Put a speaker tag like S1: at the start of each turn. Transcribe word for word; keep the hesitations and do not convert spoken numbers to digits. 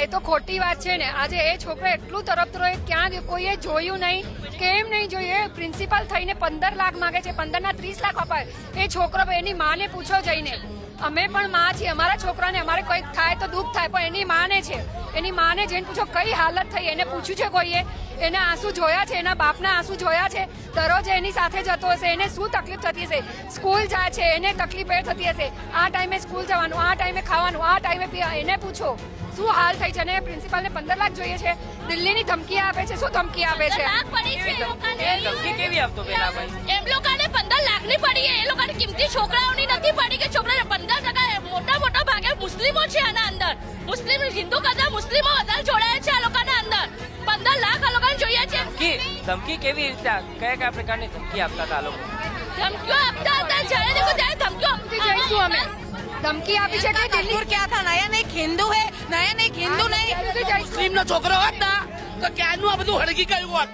S1: એ તો ખોટી વાત છે ને. આજે એ છોકરો એટલું તરફતરો ક્યાં કોઈએ જોયું નહીં, કેમ નહીં જોયું? પ્રિન્સિપાલ થઈને પંદર લાખ માંગે છે, પંદર ના ત્રીસ લાખ અપાય. એ છોકરો એની માને પૂછો જઈને. અમે પણ માં છીએ, અમારા છોકરાને અમારે કંઈક થાય તો દુઃખ થાય, પણ એની માને છે. એની માને જઈને પૂછો કઈ હાલત થઈ. એને પૂછ્યું છે કોઈએ? એના આંસુ જોયા છે? એના બાપના આંસુ જોયા છે? દરરોજ એની સાથે જતો હશે, એને શું તકલીફ થતી હશે? સ્કૂલ જાય છે, એને તકલીફ એ થતી હશે. આ ટાઈમે સ્કૂલ જવાનું, આ ટાઈમે ખાવાનું, આ ટાઈમે પીવા. એને પૂછો શું હાલ થઈ છે. અને પ્રિન્સિપાલને પંદર લાખ જોઈએ છે. દિલ્હીની ધમકી આપે છે. શું ધમકી આપે છે?
S2: ધમકી કેવી આપતો પેલા ભાઈ?
S3: એમ લોકોને પંદર લાખ ની પડી. એ લોકોને કિંમતી છોકરાઓની નથી પડી કે છોકરાને પંદર ટકા મોટા મોટા ભાગે મુસ્લિમો છે આના અંદર. મુસ્લિમ હિન્દુ કરતા મુસ્લિમો વધારે જોડાયા છે આ લોકોના અંદર. પંદર લાખ આ લોકોને જોઈએ છે.
S2: ધમકી ધમકી કેવી રીતે, કયા કયા પ્રકારની ધમકી આપતા હતા આ લોકો?
S3: ધમકીઓ આપતા હતા, જ્યારે દેખો ત્યારે ધમકીઓ આપતી
S1: જઈશું અમે. ધમકી આપી છે કે દિલ્હી
S4: क्या था? नया नहीं हिंदू है, नया नहीं हिंदू नहीं
S1: જઈશું.
S5: મુસ્લિમ નો છોકરો હોત ને તો ક્યારનું આ બધું હળગી ગયું હોત.